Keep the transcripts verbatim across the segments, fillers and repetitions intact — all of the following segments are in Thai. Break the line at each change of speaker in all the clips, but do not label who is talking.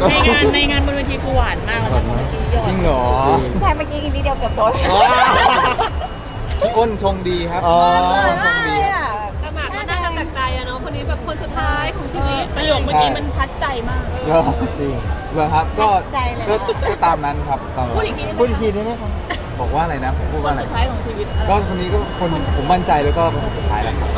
ในงานในงานบนเวทีกูหวานมากแล้วนะเมื่อกี้ยอด
จริงเหรอ
ใช่เมื่อกี้อีกนิดเดียวเกือบโดน
พี่อ้นชงดีครับ
อ๋อ
ชงดี
อ่ะ
แต่หมากก็น่าจะแปลกใจอะเนาะคนนี้แบบคนสุดท้ายของชีวิต
ประโยคเมื่อกี้มันทัดใจมาก
เหรอ
จริง
เหรอครับก็ก็ก็ตามนั้นครับตามนั้น
พูดอีกทีได้ไหม
พูดอีกทีได้ไหมครับ
บอกว่าอะไรนะผมพูด
ค
ว่าน อะไร
สุดท้ายของชีวิตอะไร
ก็คนนี้ก็คนผมมั่นใจแล้วก็เป็นคนสุดท้ายแหละครับ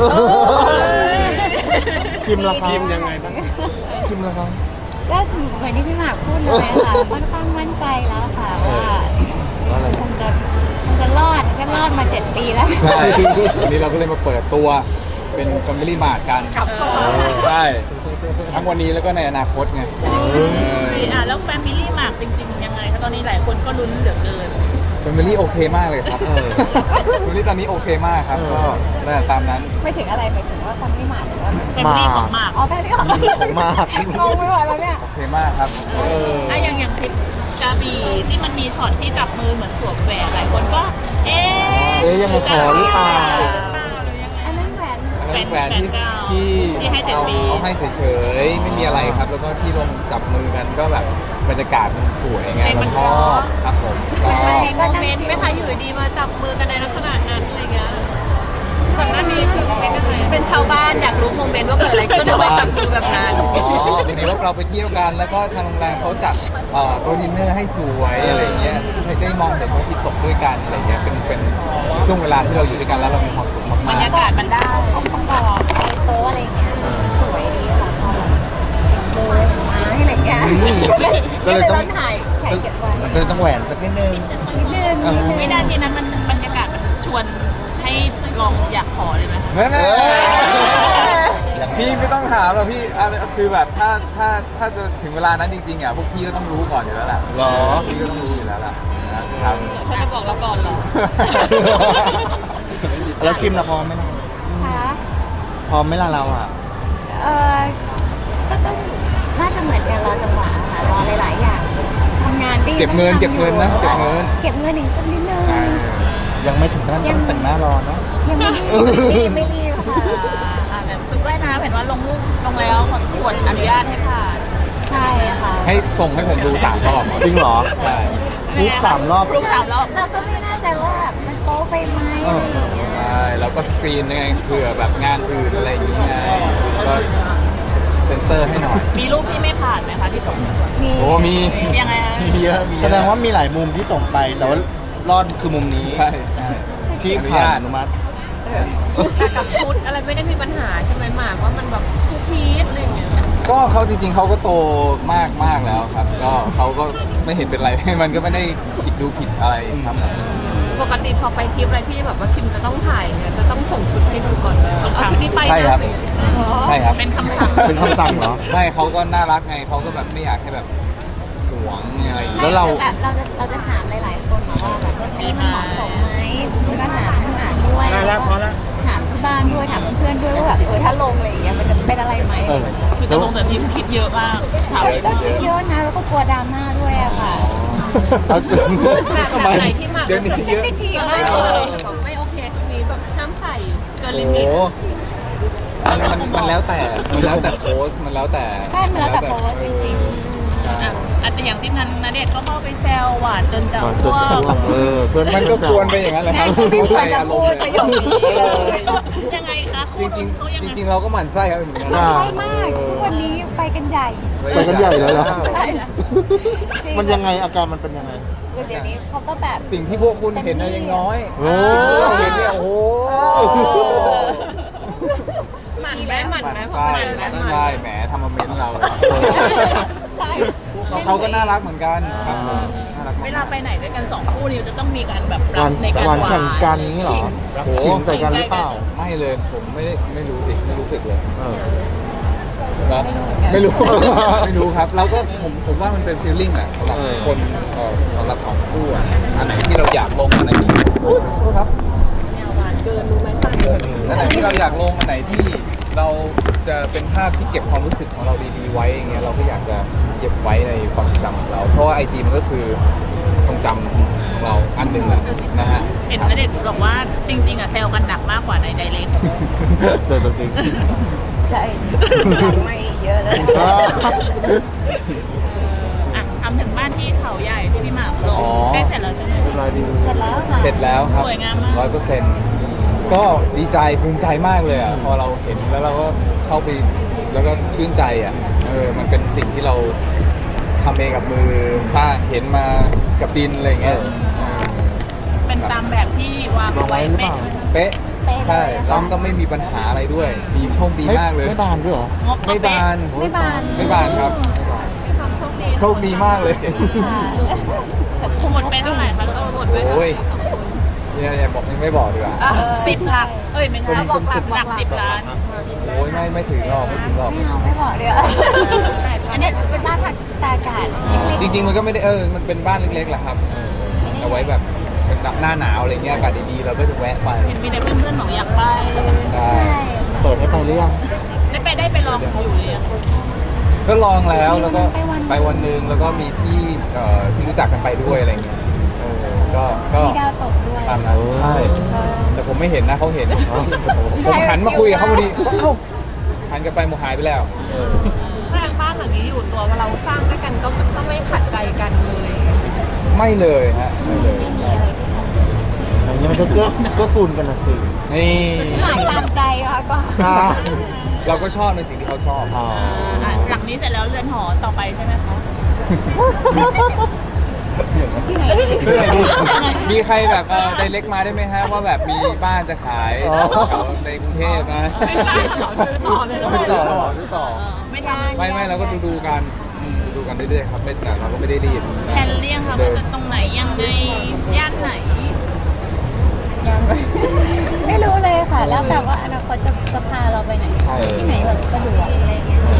คิมละครับ
คิมยังไงบ้าง
คิมละครับ
ก็เหมือนที่พี่หมากพูดเลยค่ะค่อนข้างมั่นใจแล้วค่ะว่า
ว่าอะไร
คงจะคงจะรอดก็รอดมาเจ็ดปีแล้ว
ใช่วันนี้เราก็เลยมาเปิดตัวเป็น Family Mart กัน
กลับเข้ามา
ใช่ทั้งวันนี้แล้วก็ในอนาคตไงเออ
อ่ะแล้วแฟมิลี่หมากจริงๆยังไงคะตอนนี้หลายคนก็ลุ้นเหลือเกิน
Family โอเคมากเลยครับ Family ตอนนี้โอเคมากครับก็ได้ตามนั้น
ไม่ถึงอะไรไปถึงว่าคนไม่มาหรือว่า
แฟมิลี่ของหมาก
อ๋อแค่นี้เหรอ
ของมาก
งงไปหมดแล้วเนี่ย
โอเคมากครับ
อ่ะอย่างอย่างคลิปกาบีที่มันมีช็อตที่จับมือเหมือนสวมแหวนหลายคนก็ เอ๊ะ
เอ๊ะยังไงขอหรือเปล่า
อันนั้นแหวน
อันนั้นแหวนที่ที่
ที่ให้เจ็ด
เอา
ปี
เอาให้เฉยๆไม่มีอะไรครับ แล้วก็ที่ลงจับมือกันก็แบบบรรยากาศมันสวยไงเราชอบครับผมก็
มีโมเมนต์ไหมคะอยู่ดีมาจับมือกันในลักษณะนั้นอะไรเงี้ยก่อนหน้านี้คือเป็นชาวบ้านอยากรู้โมเมนต์ว่าเกิดอะไรขึ้นทำไมจับมือแบบนั้น
อ๋อวันนี้เราไปเที่ยวกันแล้วก็ทางโรงแรมเขาจัดเอ่อโต๊ะดินเนอร์ให้สวยอะไรเงี้ยให้ได้มองเห็นพระอาทิตย์ตกด้วยกันอะไรเงี้ยเป็นเป็นช่วงเวลาที่เราอยู่ด้วยกันแล้วเรามีความสุข
บร
มาร ก
ยากาศมันได้
องค์ประกอบโต๊ะอะไรอย่างเงี้ยสวยดีค่ะโดยมาให้อะไรเงี้ยก็เลยต้องถ่ายถ่ายเก็บไว้
ก็เลยต้องแหวนสักนิดนึง
นิดนึงนิดนึง
วินาทีนั้นมันบรรยากาศมันชวนให้ลองอยากขอเลยไหม
ๆนั่นแหละพี่ไม่ต้องถามหรอกพี่อ่ะคือแบบถ้าถ้าถ้าจะถึงเวลานั้นจริงๆอ่ะพวกพี่ก็ต้องรู้ก่อนอยู่แล้วแหละ
หรอ
พี่ก็ต้องรู้อยู่แล้วล่ะนะครับ
เขาจะบอกเราก่อนเหรอ
แล้วคิมละพร้อมไหมล่ะ
ค่ะ
พร้อมไหมล่ะเราอ่ะ
เออก็ต้องน่าจะเหมือนกันรอจังหวะค่ะรอหลายๆอย่างทำงานก็ยัง
เก็บเงิน
ต้อง
เก็บเงินนะเก็บเงิน
เก็บเงินอีกสักนิดนึง
อ่า
ยังไม่ถึงขั้นต้องแต่งหน้ารอเนาะ
ยังไม่รีบไม่รีบค่ะ
อ่าแบบชุดว่ายน้ำเห็นว่าลงรูปลงแล้วขอตรวจอนุญาตให้ผ่าน
ใช่ค่ะ
ให้ส่งให้ผมดูสามรอบ
จริงเหรอ
ใช่
รูปสามรอบ
รูปสามรอบ
เราก็ไม่แน่ใจว่าแบบมันโป๊ไปไหมอะไรอย่างเงี้ย
ใช่แล้วก็สกรีนยังไงเผื่อแบบงานอื่นอะไรอย่างเงี้ยก็เซ็นเซอร์ให้หน่อย
มีรูปที่ไม่ผ่านไหมคะที่ส่ง
มี
โอ้มี
ยังไงฮะ
มีเยอะมีเยอะ
แสดงว่ามีหลายมุมที่ส่งไป แต่ว่ารอดคือมุมนี้
ใช่ใช่
ที่
อนุ
ผ่า
ญาน ต
อนุมัติ
แต่กับชุดอะไรไม่ได้มีปัญหาใช่ไหมหมากว่ามันแบบทุกพีชอะไรเงี้ย
ก็เขาจริงๆเขาก็โตมากมากแล้วครับ ก็เขาก็ไม่เห็นเป็นไร มันก็ไม่ได้ผิดดูผิดอะไรครับ
ปกติพอไปทริปอะไรที่แบบว่าคิมจะต้องถ่ายเนี่ยจะต้องส่งชุดให้ดูก่อนเอาชุดนี้ไปนะ
ใช่ครับ
อ๋อ
ใช่ครับ
เป็นคำสั่ง
เป็นคำสั่งเหรอ
ใช่เขาก็น่ารักไงเขาก็แบบไม่อยากให้แบบหวงอะไรอย่าง
แล้
เงี้ยว
เรา
แบบเราจะเราจะถามหลายๆคนนะว่าแบบรถนี้มันเหมาะสมไหมก็ถามพี่หมากด้วย
ได้แล้วพอแล้ว
ถามที่บ้านด้วยถามเพื่อนๆด้วยว่าแบบเออถ้าลงอะไรอย่างเงี้ยมันจะเป็นอะไรไหม
เออ
คือจะลงแต่พิมพ์คิดเยอะมากถาม
ก็คิดเยอะนะแล้วก็กลัวดราม่าด้วยอะค่ะ
เอา
แบบ
ทำไม
ไหนที่หมากรู้สึก
เซนซิทีฟ
เอ
มาก
อ
เลย
แบบไม่โอเคชุดนี้แบบห้ามใส่เกินลิ
โอ้
มิต
โหมันมันมันแล้วแต่มันแล้วแต่โพสต์มันแล้วแต่
ใช่มันแล้วแต่โพสต์จริง
อ่ะอาจจะอย่างที่นันนาเดชน์ก็เข้าไปแซวหวานจนจะ
ก่อนจ
อ้
น
ว
จะอ้ว
ก
กเออเพื่อน
มันก็ควรไปอย่างนั้นแหละครับ
ไม่ควรจะพูดประโยคนี้เลย
ยังไงคะ
จ
คู่
ริ
นู้
ง
นเขายัง
ๆ
ไง
จริงๆเราก็หมั่นไส้เขาเหมือนกัน
ใช่มากทุกวันนี้ไปกันใหญ่
ไปกันใหญ่เลยเหรอ
ใช่จริ
มันยังไงอาการมันเป็นยังไง
เดี๋ยวนี้เขาก็แบบ
สิ่งที่พวกคุณเห็นน่ะยังน้อย
โอ้
เราเห็นเนี่ยโอ้โห
หมั่นไหมหมั่น
หมั่น
ไหม
ไส้
หมั่นไหม
หมั่นไส้แหมทำมาเมนต์เรา
ใช่
เขาก็น่ารักเหมือนกันครับผมน่ารักมก
เวลาไปไหนด้วยกันสองคู่นี้จะต้องมีการแบบรั
วั
บ
น
ในการ
วัน
หวา
แข่งกันนี่เหรอ
โอ้โห
ขิงใส่กันหรือเปล่า
ไม่เลยผมไม่ได้ไม่รู้ดิไม่รู้สึกเลย
เออ
นะไม่รู้ ไม่รู้ครับเราก็ผมผมว่ามันเป็นฟีลลิ่งอะสำหรับ
เออ
คนเอ่อสำหรับสองคู่อะอันไหนที่เราอยากลงอันไหนที่อุ๊ยโทษครับ
หวานเกินรู้ไหมสั่น
อันไหนที่เราอยากลงอันไหนที่เราจะเป็นภาพที่เก็บความรู้สึกของเราดีๆไว้อย่างเงี้ยเราก็อยากจะเก็บไว้ในความทรงจำของเรา เพราะว่าไอจีมันก็คือทรงจำของเราอันหนึ่งแหละนะฮะ
เห็นนาเดชน์บอกว่าจริงๆอ่ะแซวกันหนักมากกว่าในไดเรก
เดินตัวจริง
ใช่หลังไม่เยอะเลย
อ่า
เขาใหญ่ที่พี่หมากลง
อ๋อ
ใกล้เสร็จแล้วใช่ไหม
เรียบร้อยดี
เสร็จแล้วค่ะ
เสร็จแล้วครับ
สวยงามมาก
ร้อยเปอร์เซ็นต์ก็ดีใจภูมิใจมากเลยอ่ะพอเราเห็นแล้วเราก็เข้าไปแล้วก็ชื่นใจอ่ะเออมันเป็นสิ่งที่เราทำเองกับมือสร้างเห็นมากับดินอะไรอย่างเงี้ย
เป็นตามแบบที่วาง
ลองไว้หรือเปล่า
เป๊ะ
เป๊ะเลย
ใช่
ค่ะ
แล้วก็ไม่มีปัญหาอะไรด้วยดีโชคดีมากเลย
ไม่บานด้วยเหรอ
งบ
ไม่บาน
ไม่บาน
ไม่บานครับ
มีความโชคดี
โชคดีมากเลย
ค่ะ
หมดไปเท่าไหร่คะ
เออหมดไป
โอ้ยอย่าอย่าบอกยังไม่บอกดีกว่า
สิบหลัก เอ้ยไม่ใช่
เป็น
บอกหลัก
เป็น
หลักสิบล้าน
โอ้ยไม่ไม่ถึงหรอกไม่ถึงหรอก
ไม่เอาไม่บอกเดี๋ยวอันนี้เป็นบ้านพักตากอากาศเล็ก
จริง ๆ มันก็ไม่ได้เออมันเป็นบ้านเล็กๆแหละครับเอาไว้แบบเป็นหน้าหนาวอะไรเงี้ยอากาศดีๆเราก็จะแวะไป
เห็นมีแต่เพื่อนๆบอกอยากไป
ใช่
ๆใช่
เปิดให้ไปหรือยัง
ได้ไปได้ไปลองอยู่เลยอะ
ก็ลองแล้วแล้วก็ไปวันหนึงแล้วก็มีพี่เอ่อที่รู้จักกันไปด้วยอะไรเงี้ยเออก็ก็
มีดาวตกด้วย
ตามนั้นใช่แต่ผมไม่เห็นนะเขาเห็นผมหันมาคุยกับเขาพอดีว่าเอ้าหันกลับไปหมดหายไปแล้ว
แรงบ้านหลังนี้อยู่ตัวเราสร้างด้วยกันก็ก็ไม่ขัดใจกันเลย
ไม่เลยฮะไม่เลย
ไม่มีอะไร
อย่างนี้มันก็เกื้อเกื้อกูลกันนะสิ
นี่
หมายตามใจค่ะก็
เราก็ชอบในสิ่งที่เขาชอบ
อ๋อ
อ่ะหลังนี้เสร็จแล้วเรือนหอต่อไปใช่ไหมคะ
ที่ไหนดี
คืออะไรดีมีใครแบบเออไดเล็กมาได้ไหมฮะว่าแบบมีบ้านจะขายแถวในกรุงเทพนะ
ไม่ใช่เหรอซื้อต่อเลยเหรอ
ไม่ต่อหรอซื้อต่อ
เออไม่ทำ
ไม่ไม่เราก็ดูดูๆกันอืมดูๆกันเรื่อยๆครับไม่แต่เราก็ไม่ได้รีบ
แผนเลี่ยงค่ะว่าจะตรงไหนยังไงย่านไหน
ยังไม่รู้เลยค่ะ แล้วแต่ว่าอนาคตจะจะพาเราไปไหน
ใช่
ที่ไหนแบบสะดวกอะไรอย่างเงี้ย